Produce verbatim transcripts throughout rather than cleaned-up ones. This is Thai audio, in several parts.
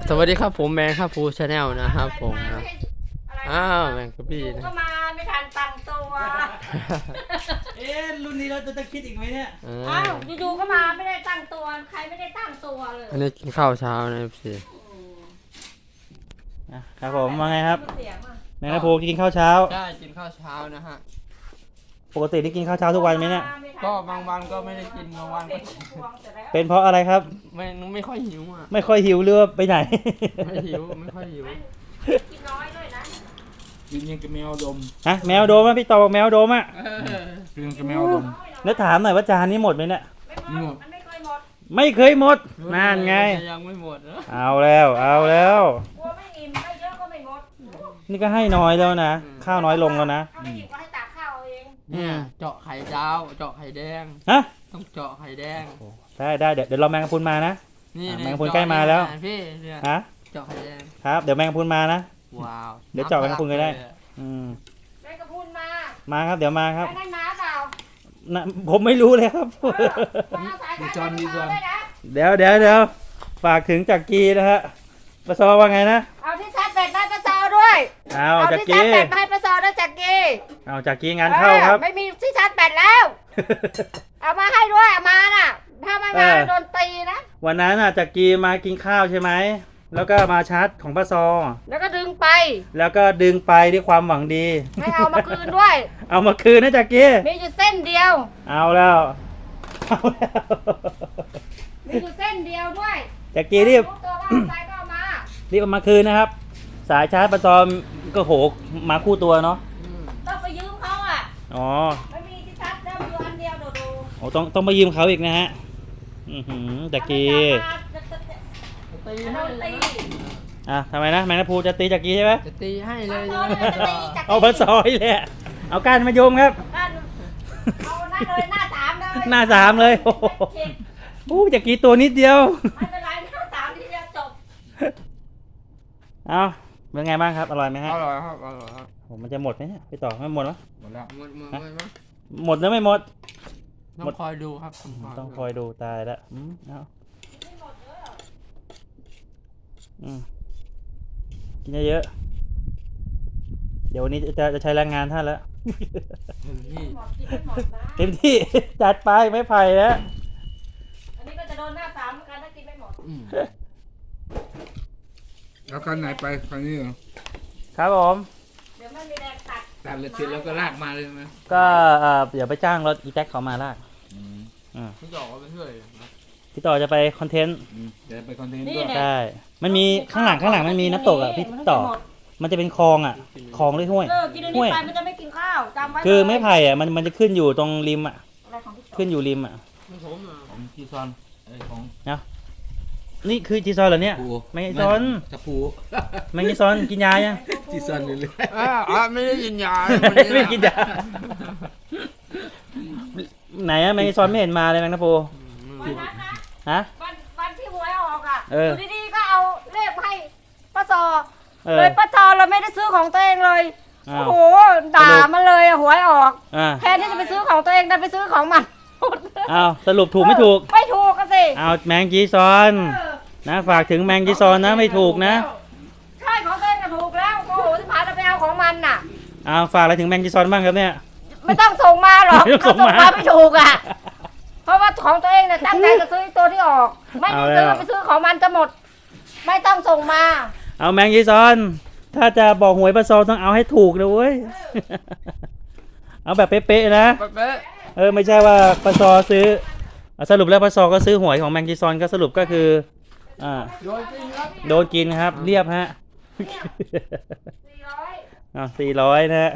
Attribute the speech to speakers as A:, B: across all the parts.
A: สวัสดีครับผมแมงครับฟูชาแนลนะครับผมนะอ้าวแมงกะบี้นะ
B: ก็มาไม่ทันตั้งตัว
C: เอ๊ะรุ่นนี้เราจะจะคิดอีกไหมเนี่ย
B: อ้าวอยู่ๆก็มาไม่ได้ตั้งตัวใครไม่ได้ตั้งตัวเลย
A: อันนี้กินข้าวเช้านะพี่
C: ครับผมว่าไงครับแมงกะพรุนกินข้าวเช้า
A: ได้กินข้าวเช้านะฮะ
C: ปกติได้กินข้าวเช้าทุกวันไหมเนี่ย
A: ก็บางวันก็ไม่ได้กินบางวันก็
C: เป็นเพราะอะไรครับ
A: ไม่ไม่ค่อยหิวอ่ะ
C: ไม่ค่อยหิวเรือไปไหน
A: ไม่หิวไม่ค่อยหิว
B: กินน้อยด้วยนะ
D: กินยังกับแมวดม
C: ฮะแมวโดมอ่ะพี่ต่อบอกแมวโดมอ่ะ
D: กินกับแมวดม
C: แล้วถามหน่อยว่าจานนี้หมดไหมเนี่ย
B: ไม่หมดมันไม่เคยหมด
C: ไม่เคยหมดนั่นไง
A: ยังไม่หมด
C: เอาแล้วเอาแล้ว
B: กลัวไม่อิ่มไม่เยอะก็ไม่หมด
C: นี่ก็ให้น้อยแล้วนะข้าวน้อยลงแล้วนะ
B: ถ้าไม่อิ่มก็ให้ตักข้าวเอง
A: เนี่ยเจาะไข่ดาวเจาะไข่แดง
C: ฮะ
A: ต้องเจาะไข่แดง
C: ได้ได้เดี๋ยวเดี๋ยวรอแมงกะพรุนมานะ
A: นี่
C: แมงกะพรุนใกล้มาแล้ว
A: พี่เนี่ย
C: ฮะ
A: เจาะไข่แดง
C: ครับเดี๋ยวแมงกะพรุนมานะ
A: ว้าว
C: เดี๋ยวเจาะแมงกะพรุนก็ได้อืม
B: แมงกะพรุนมา
C: มาครับเดี๋ยวมาครับ
B: ได้น้าเปล่า
C: นะผมไม่รู้เลยครับ
D: มีจอนมีจอน
C: เดี๋ยวเดี๋ยวเดี๋ยวฝากถึงจักรีนะฮะปะซอว่าไงนะ
B: เอาที่ชาร์จแบตมาให้ปะซอด้วย
C: เอาจักรี
B: ที่ชาร์จแบตมาให้ปะซอด้วยจักรี
C: เอาจักรีงานเข้าครับ
B: ไม่มีที่ชาร์จแบตแล้วเอามาให้ด้วยเอามาน่ะถ้าไม่มาโดนตีนะ
C: วันนั้นน่ะจักรีมากินข้าวใช่ไหมแล้วก็มาชาร์จของปะซอ
B: แล้วก็ดึงไป
C: แล้วก็ดึงไปด้วยความหวังดี
B: ไม่เอามาคืนด้วย
C: เอามาคืนนะจักรี
B: มีอยู่เส้นเดียว
C: เอาแล้วเอาแล้ว
B: มีอยู่เส้นเดียวด้วย
C: จักรีรีบรีบเอามาคืนนะครับสายชาร์จปะซอก็โหมาคู่ตัวเนาะ
B: ต้องไปยืมเขาอ่ะ
C: อ๋อ
B: ไม่มีที่ชาร์จแล้วอยู่อันเดียวดูดู
C: โอ้ต้องต้องไปยืมเขาอีกนะฮะอือหือจักรี
A: ตีให้เลย
C: อ่ะทำไมนะแมงกะพรุนจะตีจักรีใช่ไหม
A: จะตีให้เลย
C: เอาปะซอยแหละเอาก้านมาโยมครับ
B: เอาหน้าเลยหน้าสามเลย
C: หน้าสามเลยโอ้จักรีตัวนิดเดียว
B: ไม่เป็นไรหน้าสามทีเดียวจบ
C: เอาเป็นไงบ้างครับอร่อยไหมฮะ
A: อร่อยครับอร่อยครับ
C: ผมมันจะหมดไหมเนี่ยไปต่อไม่หมดหรอ
D: หมดแล้ว
A: หมดหมดไหม
C: หมดแล้วไม่หมด
A: ต้องคอยดูครับ
C: ต้องคอยดูตายแล้วอืมเอาอืมกินเยอะๆเดี๋ยววันนี้จะจะใช้แรงงานท่านแล้วเต็มที่จัดไปไม่ไผ่แล้ว
B: อันนี้ก็จะโดนหน้าสามกันถ้ากินไม่หมด
D: แล้วคันไหนไปคันนี้เหรอ
C: ครับผม
B: เดี๋ยวไม่มีแรงตัด
D: ตัดเลยเสร็จแล้วก็ลากมาเลยไหม
C: ก็เดี๋ยวไปจ้างรถอีแท็กเขามาลาก
A: พี่ต่อไปเรื่อย
C: พี่ต่อจะไปคอนเทนต์
D: เดี๋ยวไปคอนเทนต์ด้วย
C: ใช่มันมีข้างหลังข้างหลังมันมีน้ำตกอ่ะพี่ต่อมันจะเป็นคลองอ่ะคลองด้วยห้วย
B: ห้วยมันจะไม่กินข้าวจำไว้
C: คือไม้ไผ่อ่ะมันมันจะขึ้นอยู่ตรงริมอ่ะขึ้นอยู่ริมอ่ะ
D: ของจีซอนไอ้ของ
C: เนาะนี่คือจีซอนเหรอเนี่ยไม่จีซอน
D: จะปู
C: ไม่จีซอนกินยายัง
D: จีซอนเลยเลย
A: อ่าไม่ได้กินยา
C: ไม่กินยาไหนอะแมงจีซอนไม่เห็นมาเลยแมงนะปูฮะ
B: วันวันที่หวยออกอ่ะอยู่ดีๆก็เอาเลขให้ป้าซอเลยป้าซอเราไม่ได้ซื้อของตัวเองเลยโอ้โหด่ามันเลยหวยออกแทนที่จะไปซื้อของตัวเองดันไปซื้อของมัน
C: อ้าวสรุปถูกไม่ถูก
B: ไม่ถูกกันสิ
C: อ้าวแมงจีซอนนะฝากถึงแมงจีซอนนะไม่ถูกนะ
B: ใช่ของตัวเองก็ถูกแล้วโอ้โหที่ผ่านเราไปเอาของมันน่ะ
C: อ้าวฝากอะไรถึงแมงจีซอนบ้างครับเนี่ย
B: ไม่ต้องส่งมาหรอกเขาส่งมาไม่ถูกอ่ะเพราะว่าของตัวเองเนี่ยตั้งใจจะซื้อตัวที่ออกไม่ได้ซื้อไปซื้อของมันจะหมดไม่ต้องส่งมา
C: เอาแมงจีซอนถ้าจะบอกหวยปะซอต้องเอาให้ถูกนะเว้ยเอาแบบเป๊ะๆนะเออไม่ใช่ว่าปะซอซื้อสรุปแล้วปะซอก็ซื้อหวยของแมงจีซอนก็สรุปก็คืออ่าโดนกินครับเรียบฮะ
B: สี่ร้อย
C: อ่าสี่ร้อยนะฮะ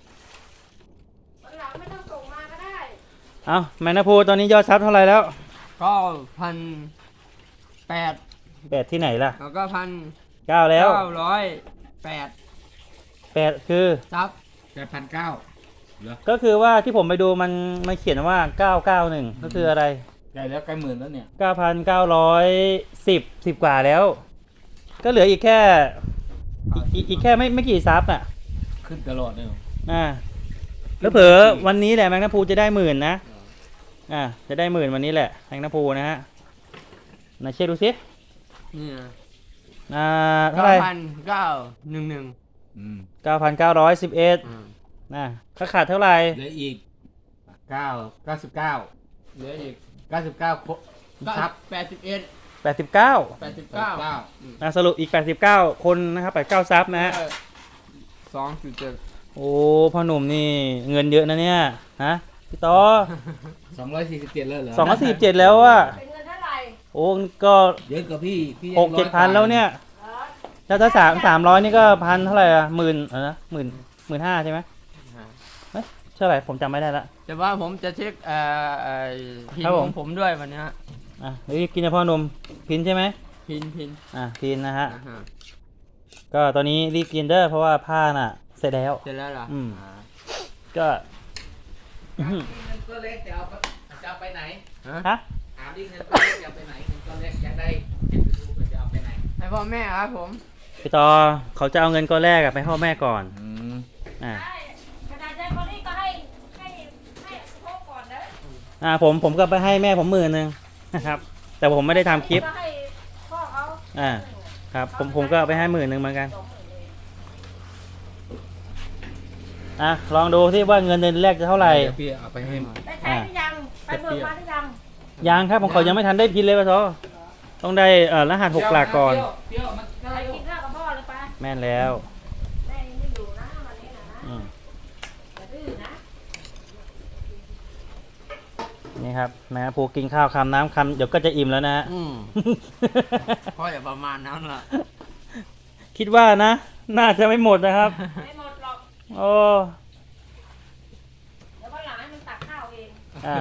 B: ไม่ต้องส่งมาก็ได้
C: เอาแมงนาพูตอนนี้ยอดซับเท่าไหร่แล้ว
A: ก็พันแปด
C: แปดที่ไหนล่ะ
A: แล้วก็พัน
C: เก้าแล้ว
A: เก้าร้อยแปด
C: แปดคือ
A: ซับ
D: แปดพันเก้า
C: ก็คือว่าที่ผมไปดูมันมันเขียนว่าเก้าเก้าหนึ่งก็คืออะไร
D: ใกล้แล้วใกล้หมื่นแล้วเนี่ย
C: เก้าพันเก้าร้อยสิบสิบกว่าแล้วก็เหลืออีกแค่อีกอีกแค่ไม่ไม่กี่ซับอ่ะ
D: ขึ้นตลอดเลย
C: อ่าแล้วเผลอวันนี้แหละแมงนาพูจะได้หมื่นนะอ่าจะได้หมื่นวันนี้แหละแมงนาพูนะฮะไหนเช็คดูสิ
A: นี่
C: อ่าเท่าไหร่
A: พันเก้าหนึ่งหนึ่ง
D: อืม
C: เก้าพันเก้าร้อยสิบเอ็ดนะค่าขาดเท่าไหร่
D: เหลืออีกเก้าเก้าสิบเก้า
A: เหลืออีก
D: เก้าสิบเก้าครับ
A: แปดสิบเอ็ด
C: แปดสิบเก้า
A: แปดสิบเก้า
C: นะสรุปอีกแปดสิบเก้าคนนะครับแปดสิบเก้าซับนะฮะ
A: สองจุดเจ็ด
C: โอ้พ่อหนุ่มนี่เงินเยอะนะเนี่ยฮะพี่ต่อ
D: สองร้อยสี่สิบเจ็ดแล้วเหรอ
C: สองร้อยสี่สิบเจ็ดแล้วอะ
B: เป็นเงินเท่าไหร่
C: โอ้ก็
D: เยอะกว่าพี่พี่
C: หกเจ็ดพันแล้วเนี่ยแล้วถ้าสามสามร้อยนี่ก็พันเท่าไหร่อะหมื่นเออนะหมื่นหมื่นห้าใช่ไหมเฮ้ยเท่าไหร่ผมจำไม่ได้ละ
A: แต่ว่าผมจะเช็คเอ่อเอ่อพิน
C: ครับผม
A: ของผมด้วยวันเนี้ย
C: อ่ะเดี๋ยวกินนะพ่อหนุ่มพินใช่ไหม
A: พินพิน
C: อ่ะพินนะฮะ
A: อ่าฮะ
C: ก็ตอนนี้รีบกินเด้อเพราะว่าผ้าน่ะเสร็จแล้ว
A: เสร็จแล้วเหรอ
C: อืม
A: อ่า
C: ก็อื้อหือ
D: เงินก็เล็กจะเอาไปจะเอาไปไหน
A: ฮะ
C: ฮะ
D: ถามดิเงินก็เล็กจะเอาไปไหนเงินก็เล็กอยากได้เก็บไปดูว่าจะเอาไปไหน
A: ให้พ่อแม่ครับผม
C: พี่ต่อเขาจะเอาเงินก้อนแรกอะไปให้พ่อแม่ก่อน
D: อืม
C: อ่า
B: ใช่ขนาดใจคนนี้ก็ให้ให้ให้พกก่อนนะ
C: อ่าผมผมก็ไปให้แม่ผมหมื่นหนึ่งนะครับ แต่ผมไม่ได้ทำคลิป
B: ก็ให้พ่อเขา
C: อ่าครับผมผมก็เอาไปให้หมื่นหนึ่งเหมือนกันอ่ะลองดูที่ว่าเงินเดือนแรกจะเท่าไหร่
D: เดี๋ยวพี่เอาไปให้
B: ได้ใช้หรือยังไปเบิกมาหรือยัง
C: ยังครับผมเขายังไม่ทันได้พินเลยปะทอต้องได้เอ่อรหัสหกหลักก่อน
D: เที่ยวมัน
B: ไปกินข้าวกับพ่อเลยปะ
C: แม่นแล้ว
B: แม่ยังไม่อยู่นะวันนี้นะนะ
C: อืม
B: อย่าดื้อนะ
C: นี่ครับแม่ผูกินข้าวคำน้ำคำเดี๋ยวก็จะอิ่มแล้วนะฮะ
A: อืมพ่ออย่าประมาณนั้นล่ะ
C: คิดว่านะ น่าจะไม่หมดนะครับ
B: ไม่หมดหรอก
C: โอ้
B: เดี๋ยววันหลังให้มันตักข้าวเอง
C: อ่า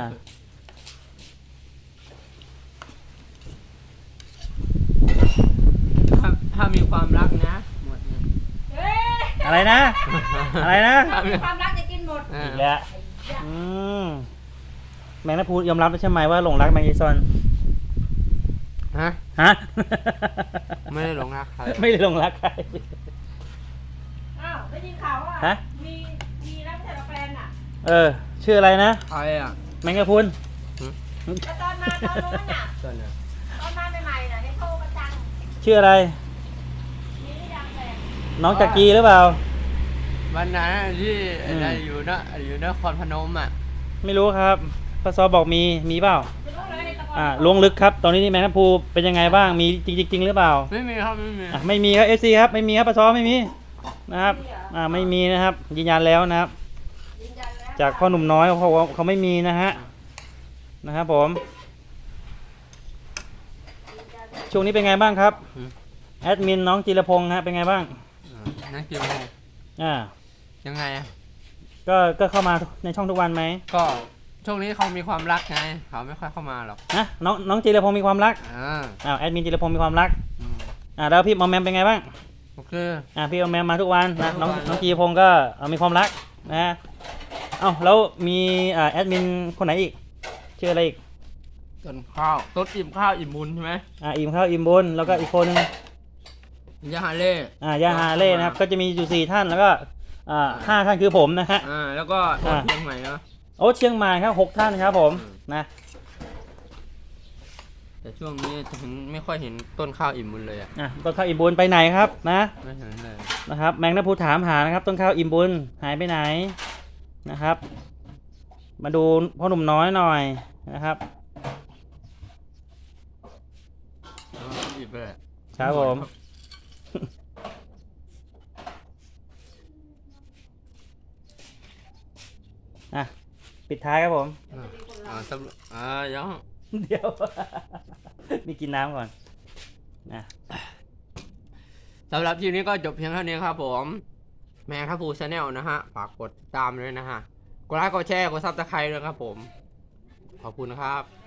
A: ถ้าถ้ามีความรักนะหมดเนี่ย
B: เฮ้ย
C: อะไรนะ อะไรนะ
B: ความรักจะกินหมด
A: อ่า
C: อีกแล้วอืมแมงนาพูยอมรับแล้วใช่ไหมว่าหลงรักแมงยีซอน
A: ฮะ
C: ฮะ
A: ไม่ได้หลงรักใคร
C: ไม่ได้หลงรักใคร
B: อ้าวได้ยินข่าวว่า
C: ฮะ
B: มีมีแล้วไม่ใช่เหรอแฟนอ่ะ
C: เออ ชื่ออะไรนะ
A: ใครอ่ะ
C: แมงกะพรุน
B: แล้วตอนมาตอนนู้นน่ะ
A: ต้นอ่ะ
B: ตอนมาใหม่ๆน่ะเห็นโทรประจัง
C: ชื่ออะไร
B: มีหรือยังแฟน
C: น้องจักรีหรือเปล่า
A: วันนั้นที่
C: อืม
A: อะไรอยู่นะอยู่นครพนมอ่ะ
C: ไม่รู้ครับพศบอกมี มีเปล่า
B: ไม่รู้เลยตะโกน
C: อ่าล้วงลึกครับ ตอนนี้นี่แมงกะพรุนเป็นยังไงบ้าง มีจริงจริงๆหรือเปล่า
A: ไม่มีครับไม่มี
C: อ่ะไม่มีครับเอฟซีครับ ไม่มีครับพศไม่มี นะครับ อ่า ไม่มีนะครับ ยืนยันแล้วนะครับ
B: ยืนยันแล้ว
C: จากพ่อหนุ่มน้อยเขาบอกว่าเขาไม่มีนะฮะ นะครับผม ช่วงนี้เป็นไงบ้างครับ แอดมินน้องจิรพงษ์ฮะ เป็นไงบ้าง
A: อ่านักกีฬา
C: อ่า
A: ยังไงอ่ะ
C: ก็ ก็เข้ามาในช่องทุกวันไหม
A: ก็ช่วงนี้เขามีความรักไงเขาไม่ค่อยเข้ามาหรอก
C: นะน้องน้องจิรพงษ์มีความรัก
A: อ่า
C: อ้าวแอดมินจิรพงษ์มีความรัก
A: อืม
C: อ่าแล้วพี่มอมแมมเป็นไงบ้าง
A: โอเค
C: อ่าพี่มอมแมมมาทุกวันนะน้อง
A: ทุกวัน
C: น้องจิรพงษ์ก็เอ่อมีความรักนะฮะเอ้าแล้วมีอ่าแอดมินคนไหนอีก ชื่ออะไรอีก
A: ต้นข้าวต้นอิ่มข้าวอิ่มบุญใช่ไหม
C: อ่าอิมข้าวอิมบุญแล้วก็อีกคนนึง
A: ยาฮาเล่
C: อ่ายาฮาเล่นะครับ ก็จะมีอยู่สี่ท่านแล้วก็อ่าห้าท่านคือผมนะฮะ
A: อ่าแล้วก็
C: อ่า
A: เชียงใหม่เนาะ
C: โอ้เชียงใหม่ครับหกท่านครับผมนะ
A: แต่ช่วงนี้ถึงไม่ค่อยเห็นต้นข้าวอิ่มบุญเลยอ่ะ
C: อ่ะต้นข้าวอิมบุญไปไหนครับนะ
A: ไม่เห็นเลย
C: นะครับแมงนภูถามหานะครับต้นข้าวอิ่มบุญหายไปไหนนะครับ มาดูพ่อหนุ่มน้อยหน่อยนะครับ
A: แล้วก็อิ่มไปเลย
C: ครับผมอ่ะปิดท้ายครับผม
A: อ่าอ่าสำหรับอ่ายัง
C: เดี๋ยว มีกินน้ำก่อนนะ
A: สำหรับคลิปนี้ก็จบเพียงเท่านี้ครับผมแมงครับฟูชาแนลนะฮะฝากกดติดตามเลยนะฮะกดไลค์กดแชร์กดซับสไครต์ด้วยครับผมขอบคุณนะครับ